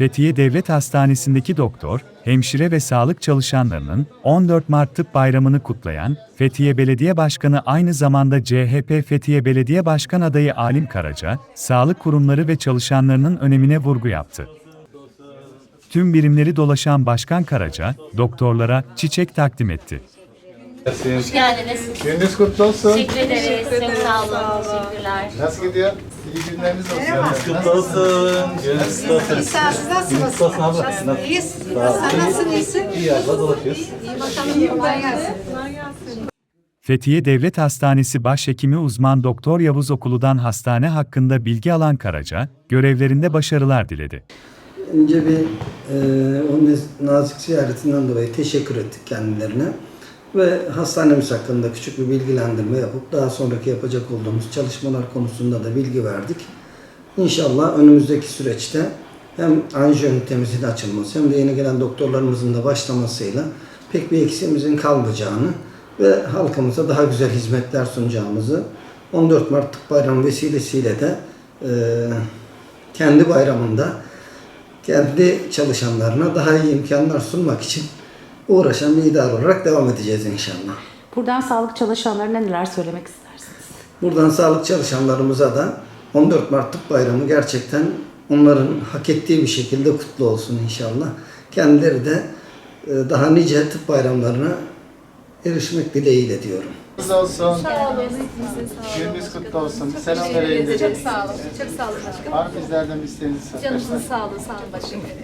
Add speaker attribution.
Speaker 1: Fethiye Devlet Hastanesi'ndeki doktor, hemşire ve sağlık çalışanlarının 14 Mart Tıp Bayramı'nı kutlayan Fethiye Belediye Başkanı aynı zamanda CHP Fethiye Belediye Başkan adayı Alim Karaca, sağlık kurumları ve çalışanlarının önemine vurgu yaptı. Tüm birimleri dolaşan Başkan Karaca, doktorlara çiçek takdim etti.
Speaker 2: Hoş geldiniz.
Speaker 3: Gününüz kutlu olsun.
Speaker 2: Teşekkür ederiz. Çok sağ olun. Teşekkürler.
Speaker 3: Nasıl gidiyor? İyi günleriniz olsun.
Speaker 4: Kutlu olsun. Gününüz kutlu olsun.
Speaker 5: İsa siz nasılsınız?
Speaker 4: Kutlu olsun abla.
Speaker 5: İyiyiz. Sen nasılsın, iyisin?
Speaker 4: İyi abla, dolaşıyoruz.
Speaker 5: İyi bakalım, kolay gelsin.
Speaker 1: Fethiye Devlet Hastanesi Başhekimi Uzman Doktor Yavuz Okulu'dan hastane hakkında bilgi alan Karaca, görevlerinde başarılar diledi.
Speaker 6: Önce bir o nazik ziyaretinden dolayı teşekkür ettik kendilerine ve hastanemiz hakkında küçük bir bilgilendirme yapıp daha sonraki yapacak olduğumuz çalışmalar konusunda da bilgi verdik. İnşallah önümüzdeki süreçte hem anjiyo ünitemizin açılması hem de yeni gelen doktorlarımızın da başlamasıyla pek bir eksiğimizin kalmayacağını ve halkımıza daha güzel hizmetler sunacağımızı 14 Mart Tıp Bayramı vesilesiyle de kendi bayramında kendi çalışanlarına daha iyi imkanlar sunmak için uğraşan bir idare olarak devam edeceğiz inşallah.
Speaker 7: Buradan sağlık çalışanlarına neler söylemek istersiniz?
Speaker 6: Buradan sağlık çalışanlarımıza da 14 Mart Tıp Bayramı gerçekten onların hak ettiği bir şekilde kutlu olsun inşallah. Kendileri de daha nice tıp bayramlarına erişmek dileğiyle diyorum.
Speaker 3: Kutlu olsun.
Speaker 5: Sağ olun. Hepinizin sağ olun.
Speaker 3: Gününüz kutlu olsun.
Speaker 5: Çok
Speaker 3: Selam
Speaker 5: teşekkür
Speaker 3: verelim
Speaker 5: ederiz.
Speaker 3: dedik.
Speaker 5: Çok sağ olun. Çok sağ olun başkanım.
Speaker 3: Var mı bizlerden bir isteğiniz?
Speaker 5: Canınızın sağ olun. Sağ olun başkanım.